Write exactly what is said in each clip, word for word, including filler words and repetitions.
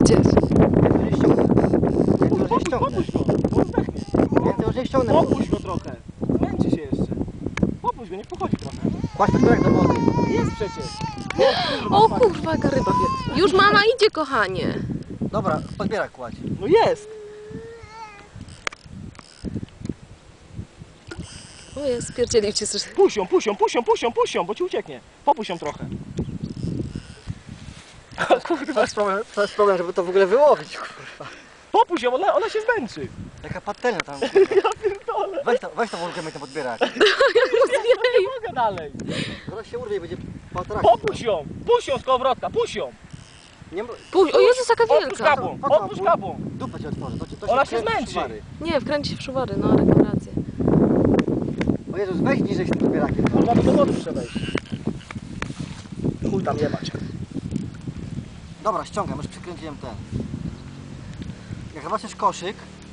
Gdzie? Ja to już nie ściągnę. Popuść go, bo zdechnie. Ja to już nie ściągnę. Popuść go trochę. Męczy się jeszcze. Popuść go, niech pochodzi trochę. Kładź podbierak do wody. Jest przecież. O kurwa, jaka ryba wie. Już mama idzie, kochanie. Dobra, podbierak kładź. No jest. O jest, spierdzielił cię coś. Puść ją, puść ją, puść ją, puść ją, puść ją, bo ci ucieknie. Popuść ją trochę. To jest problem, to jest problem, żeby to w ogóle wyłowić, kurwa. Popuść ją, ona, ona się zmęczy. Jaka patelnia tam. Ja pierdolę. Weź to, weź to wulgę ten podbierak. Nie mogę dalej. Zaraz się urwie i będzie patrak. Popuść ją, puść ją z kołowrotka, puść ją. Nie, Puść, o Jezus, jaka Odpuść wielka. kapłą, odpuść kapłą. Dupę ci otworzę. To, ci- to Ona się wkręci w zmęczy. szwary. Nie, wkręci się w szuwary, no ale mam rację. O Jezus, weź niżej z tym podbierakiem. Kurwa, do wody muszę wejść. Chuj tam jebać. Dobra, ściągam, już przykręciłem ten. Jak zobaczysz koszyk,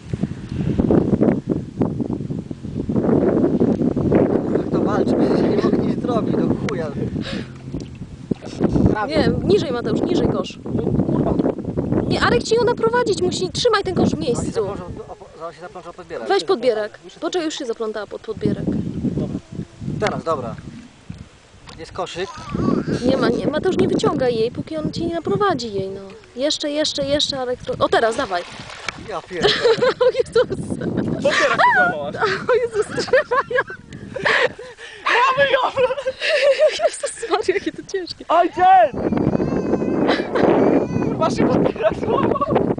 jak to walczy, przecież ja nie mogę nic zrobić, do chuja. Prawie. Nie, niżej Mateusz, niżej kosz. Kurwa, Nie, Arek ci ją naprowadzić musi. Trzymaj ten kosz w Zaraz się miejscu. zaplączą, o, zaraz się zaplączą podbierak. Weź podbierak. Poczekaj, już się zaplątała pod podbierak. Teraz, dobra. Jest koszyk. Nie ma, nie, Mateusz nie wyciągaj jej, póki on ci nie naprowadzi jej, no. Jeszcze, jeszcze, jeszcze, Arek. O teraz, dawaj. Ja pierdolę. O Jezus. podbierak się złamałaś. O Jezus, trzymają. Mamy ją! Jezus Maria, jakie to ciężkie. Ojciec! Kurwa, się podbierak złamał.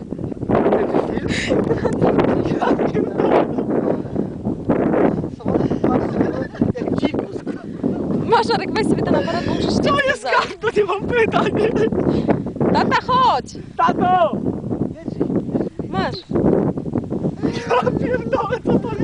Jak dzikus. Masz, Arek, weź sobie ten aparat, bo musisz To jest kart, to nie mam pytań. Tata, chodź. Tato! Masz. Ja pierdolę, co to jest?